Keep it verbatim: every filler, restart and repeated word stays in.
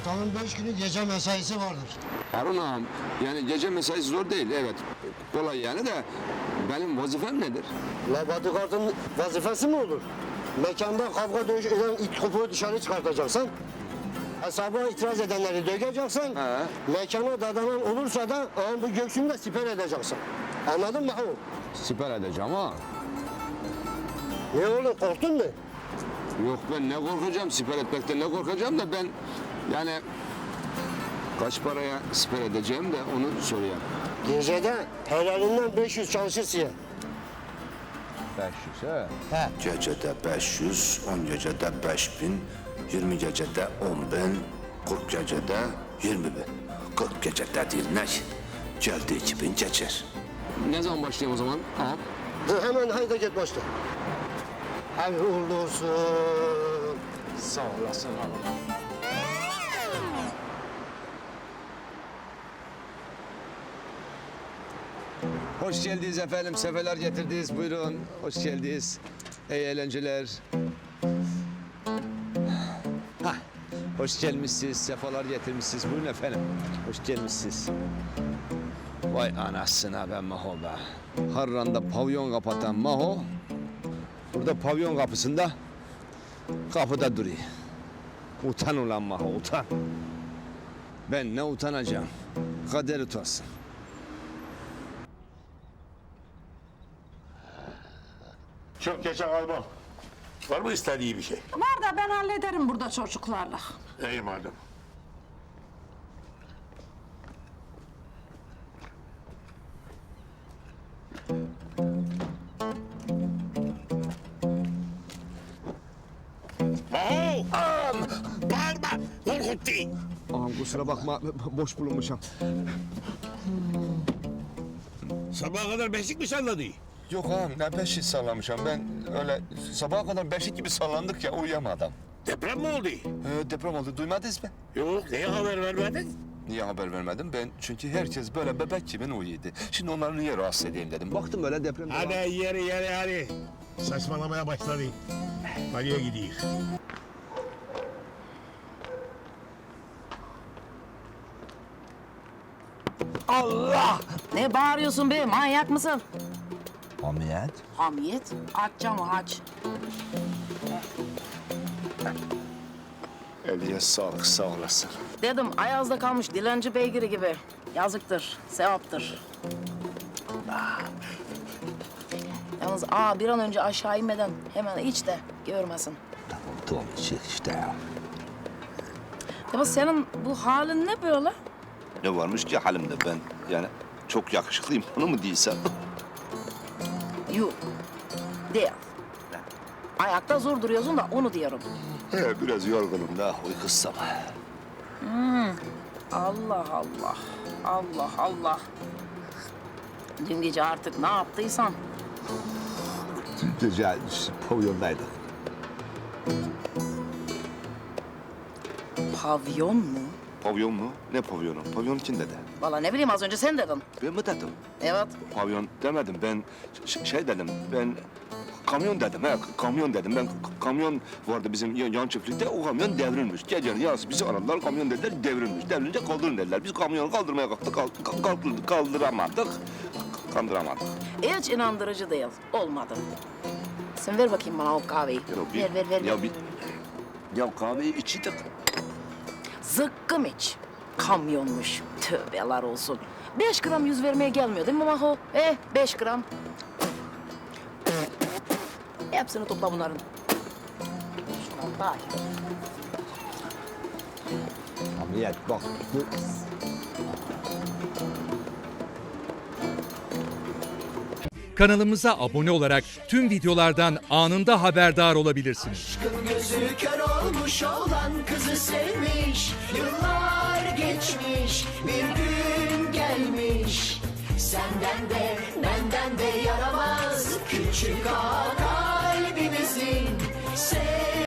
Haftanın beş günü gece mesaisi vardır. Harun ağam, yani gece mesaisi zor değil, evet. Kolay yani de benim vazifem nedir? La bodyguardın vazifesi mi olur? Mekanda kavga dövüş eden it kopuğu dışarı çıkartacaksın. Hesaba itiraz edenleri döveceksin. He. Mekana dadanan olursa da ağın bu göğsünü de siper edeceksin. Anladın mı? Siper edeceğim ha. Ne oğlum, korktun mu? Yok ben ne korkacağım, siper etmekten ne korkacağım da ben yani kaç paraya siper edeceğim de onu sorayım. Gecede helalinden beş yüz çalışırsın ya. beş yüz he. He. Gecede beş yüz, on gecede beş bin, yirmi gecede on bin, kırk gecede yirmi bin. kırk gecede dirnek, geldi iki bin geçer. Ne zaman başlayayım o zaman ağam? Dur, hemen haydi git başla. Hayırlı uğurlu olsun. Sağ olasın ağam. Hoş geldiniz efendim, sefeler getirdiniz. Buyurun, hoş geldiniz. İyi eğlenceler. Hah, hoş gelmişsiniz, sefalar getirmişsiniz. Buyurun efendim, hoş gelmişsiniz. Vay anasına be Maho be. Harran'da pavyon kapatan Maho, burada pavyon kapısında, kapıda duruyor. Utan ulan Maho, utan. Ben ne utanacağım, kader utansın. Çok geçe kalmam. Var mı istediği bir şey? Var da ben hallederim burada çocuklarla. İyi madem. Oh! Am! Bağırma! Korkuttu! Ağam kusura bakma, boş bulunmuşum. Sabaha kadar beşik mi salladı? Yok ağam, ne beşik sallamışım ben. Öyle sabaha kadar beşik gibi sallandık ya, uyuyamadım. Deprem mi oldu? Ee, deprem oldu, duymadınız mı? Yok, neye haber vermedin? Niye haber vermedim? Ben çünkü herkes böyle bebek gibi uyuyordu. Şimdi onları niye rahatsız edeyim dedim. Baktım böyle deprem... Hadi yeri yeri hadi. Saçmalamaya başladı. Nereye gidiyor? Allah! Ne bağırıyorsun be? Manyak mısın? Hamiyet? Hamiyet. Aç camı aç. Eliye sağlık, sağ olasın. Dedim Ayaz'da kalmış dilenci beygiri gibi. Yazıktır, sevaptır. Ah. Yalnız aa bir an önce aşağı inmeden hemen iç de görmesin. Tamam, tamam, içecek işte ya. Ya senin bu halin ne böyle? Ne varmış ki halimde ben? Yani çok yakışıklıyım, onu mu değilsem? Yok. Değil. Ayakta zor duruyorsun da onu diyorum. He, biraz yorgunum da uykusam. Allah Allah. Allah Allah. Dün gece artık ne yaptıysan. Gece pavyondaydık. Pavyon mu? Pavyon mu? Ne pavyonu? Pavyon kim dedi? Vallahi ne bileyim az önce sen dedin. Ben mi dedim? Evet. Pavyon demedim, ben ş- şey dedim, ben kamyon dedim, he, kamyon dedim. Ben k- kamyon vardı bizim yan, yan çiftlikte, o kamyon devrilmiş. Gece yarısı bizi aradılar, kamyon dediler, devrilmiş. Devrilince kaldırın dediler. Biz kamyonu kaldırmaya kalktık, kalk- kalk- kalk- kaldıramadık, kaldıramadık. Hiç inandırıcı değil. Olmadı. Sen ver bakayım bana o kahveyi. Ya bir- ver ver ver. Ya ver. bir, ya kahveyi içtik. Zıkkım iç. Kamyonmuş. Tövbeler olsun. Beş gram yüz vermeye gelmiyor değil mi Maho? Eh beş gram. Hepsini topla bunların. Şundan daha iyi. Hamiyet bak. Bu... Kanalımıza abone olarak tüm videolardan anında haberdar olabilirsiniz. Aşkın gözü kör olmuş olan kızı sevmiş. Yıllar geçmiş, bir gün gelmiş. Senden de benden de yaramaz küçük ağa kalbimizin.